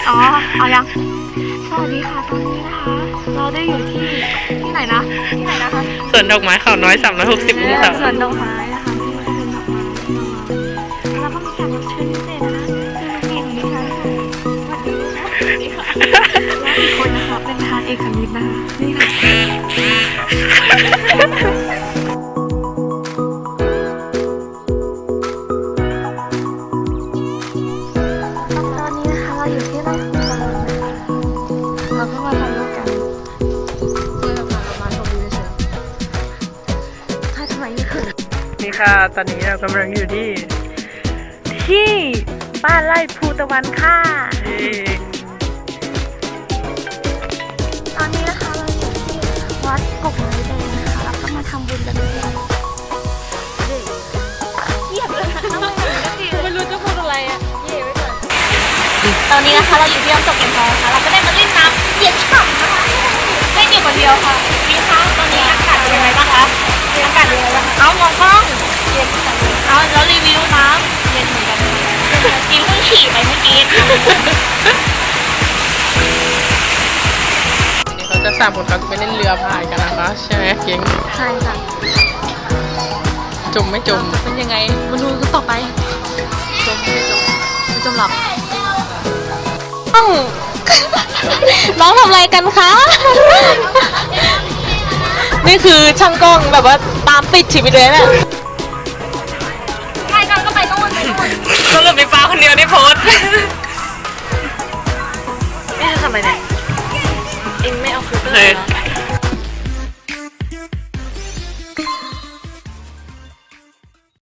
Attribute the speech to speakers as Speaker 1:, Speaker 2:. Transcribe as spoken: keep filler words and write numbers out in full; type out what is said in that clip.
Speaker 1: อ๋อเอายังสวัสดีค่ะตอนนี้นะคะเราได้อยู่ที่ที่ไหนนะที่ไหนนะคะ
Speaker 2: สวนดอกไม้เขาน้อยสามร้อยหกสิบองศา
Speaker 1: สวนดอกไม้นะคะที่เป็นดอกไม้แล้วก็มีแขกรับเชิญพิเศษนะคะคือลุงเองของดิฉันค่ะสวัสดีค่ะและอีกคนนะคะเป็นทานเอกคณิตนะคะนี่ค่ะตอนนี้นะคะเราอยู่ที่ไร่ของเรานะคะเราเพิ่งมาถ่ายรูปกันเพื่อพาเรามาชมวิวเฉยๆถ้าทำไมไม่เคย
Speaker 2: นี่ค่ะตอนนี้เรากำลังอยู่ที่ที่บ้านไร่ภูตะวันค่ะเอ่อ
Speaker 1: ตอนนี้นะคะเราอยู่ที่วัดกกไม้แดงนะคะแล้วก็มาทำบุญกันเลยเยียบเลยทำไมไม่รู้จะพูดอะไรอ่ะเยียบไว้ก่อนตอนนี้นะคะเราอยู่ที่น้ำตกเก็นทองนะคะเราก็ได้มาเล่นน้ำเย็นฉ่ำนะคะไม่อยู่คนเดียวค่ะพี่คะตอนนี้อากาศเป็นยังไงบ้างคะอากาศเป็นยังไงบ้างเอามองกล้องเย็นเอาแล้วรีวิวน้ำเย็นเหมือนกันกินเพิ่งฉี่ไปเมื่อกี้
Speaker 2: นี่เขาจะสามคนเขาจะไปเล่นเรือพายกันนะคะใช่ไหมเก่ง
Speaker 1: ใช่ค่ะ
Speaker 2: จมไม่จม
Speaker 1: จะเป็นยังไงมาดูกันต่อไปจมไม่จมไม่จมหรอกน้องน้องทำอะไรกันคะ นี่คือช่างกล้องแบบว่าตามติดชีวิตเลยเนี่ยใช่กันก็ไปนู่นไปนู่น
Speaker 2: สรุปมีฟ้าคนเดียวได้โพสนี่จะทำอะไรเนี่ยเองไม่เอาฟิลเตอร์